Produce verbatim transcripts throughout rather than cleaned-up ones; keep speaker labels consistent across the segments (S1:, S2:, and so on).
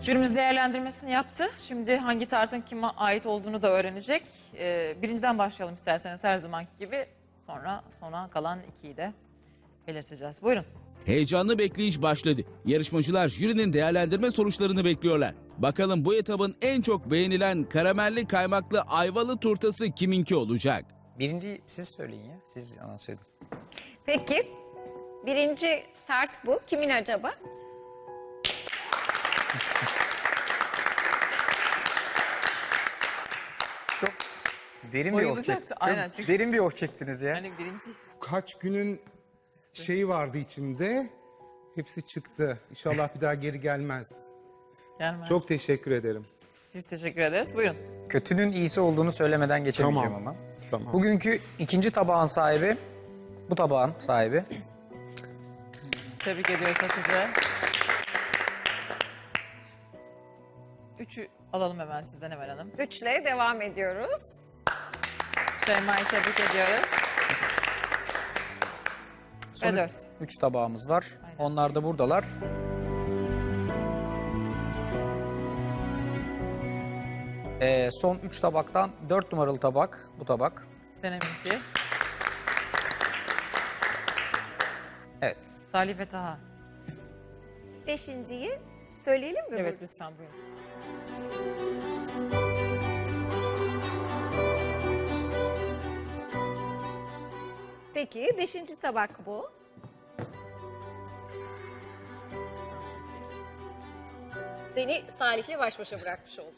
S1: Jürimiz değerlendirmesini yaptı. Şimdi hangi tartın kime ait olduğunu da öğrenecek. Ee, birinciden başlayalım isterseniz her zamanki gibi. Sonra sona kalan ikiyi de belirteceğiz. Buyurun.
S2: Heyecanlı bekleyiş başladı. Yarışmacılar jürinin değerlendirme sonuçlarını bekliyorlar. Bakalım bu etabın en çok beğenilen karamelli kaymaklı ayvalı turtası kiminki olacak?
S3: Birinci siz söyleyin ya. Siz anons edin.
S4: Peki, birinci tart bu. Kimin acaba?
S3: Çok derin bir oh
S1: Bayılacaksın,
S3: çektiniz.
S1: aynen.
S3: Çok derin bir oh çektiniz ya.
S1: Yani birinci.
S5: Kaç günün şeyi vardı içimde. Hepsi çıktı. İnşallah bir daha geri gelmez.
S1: Gelmez.
S5: Çok teşekkür ederim.
S1: Biz teşekkür ederiz. Buyurun.
S3: Kötünün iyisi olduğunu söylemeden geçemeyeceğim
S5: Tamam.
S3: ama.
S5: Tamam.
S3: Bugünkü ikinci tabağın sahibi, bu tabağın sahibi.
S1: Tebrik ediyoruz Hatice. Üçü alalım hemen sizden Emel Hanım.
S4: Üçle devam ediyoruz.
S1: Şeyma'yı tebrik ediyoruz.
S3: Son
S1: Ve
S3: üç-
S1: dört.
S3: Üç tabağımız var.
S1: Aynen.
S3: Onlar da buradalar. Ee, son üç tabaktan dört numaralı tabak, bu tabak.
S1: Seneminki.
S3: Evet.
S1: Salih ve Taha.
S4: Beşinciyi söyleyelim mi?
S1: Evet
S4: Burcu?
S1: lütfen buyurun.
S4: Peki, beşinci tabak bu. Seni Salih'le baş başa bırakmış olduk.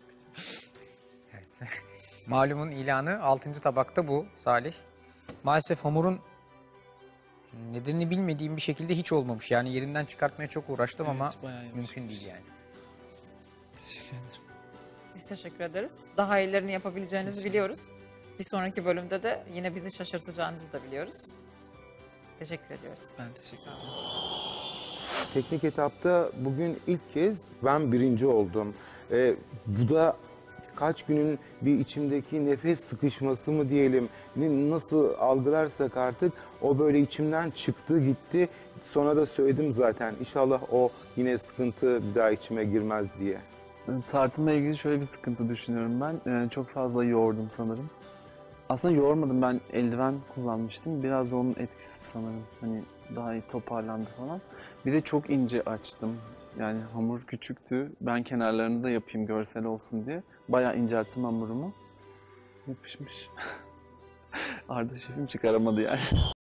S3: Malumun ilanı altıncı tabakta bu Salih. Maalesef hamurun nedenini bilmediğim bir şekilde hiç olmamış. Yani yerinden çıkartmaya çok uğraştım ama
S6: bayağı yavaş
S3: mümkün değil yani.
S6: Teşekkür ederim.
S1: Biz teşekkür ederiz. Daha iyilerini yapabileceğinizi biliyoruz. Bir sonraki bölümde de yine bizi şaşırtacağınızı da biliyoruz. Teşekkür ediyoruz.
S6: Ben teşekkür ederim.
S5: Teknik etapta bugün ilk kez ben birinci oldum. Ee, bu da kaç günün bir içimdeki nefes sıkışması mı diyelim, ne- nasıl algılarsak artık o böyle içimden çıktı gitti. Sonra da söyledim zaten inşallah o yine sıkıntı bir daha içime girmez diye.
S7: Tartımla ilgili şöyle bir sıkıntı düşünüyorum ben. Ee, çok fazla yoğurdum sanırım. Aslında yoğurmadım, ben eldiven kullanmıştım. Biraz da onun etkisi sanırım. Hani daha iyi toparlandı falan. Bir de çok ince açtım. Yani hamur küçüktü. Ben kenarlarını da yapayım görsel olsun diye. Bayağı incelttim hamurumu. Yapışmış. Arda şefim çıkaramadı yani.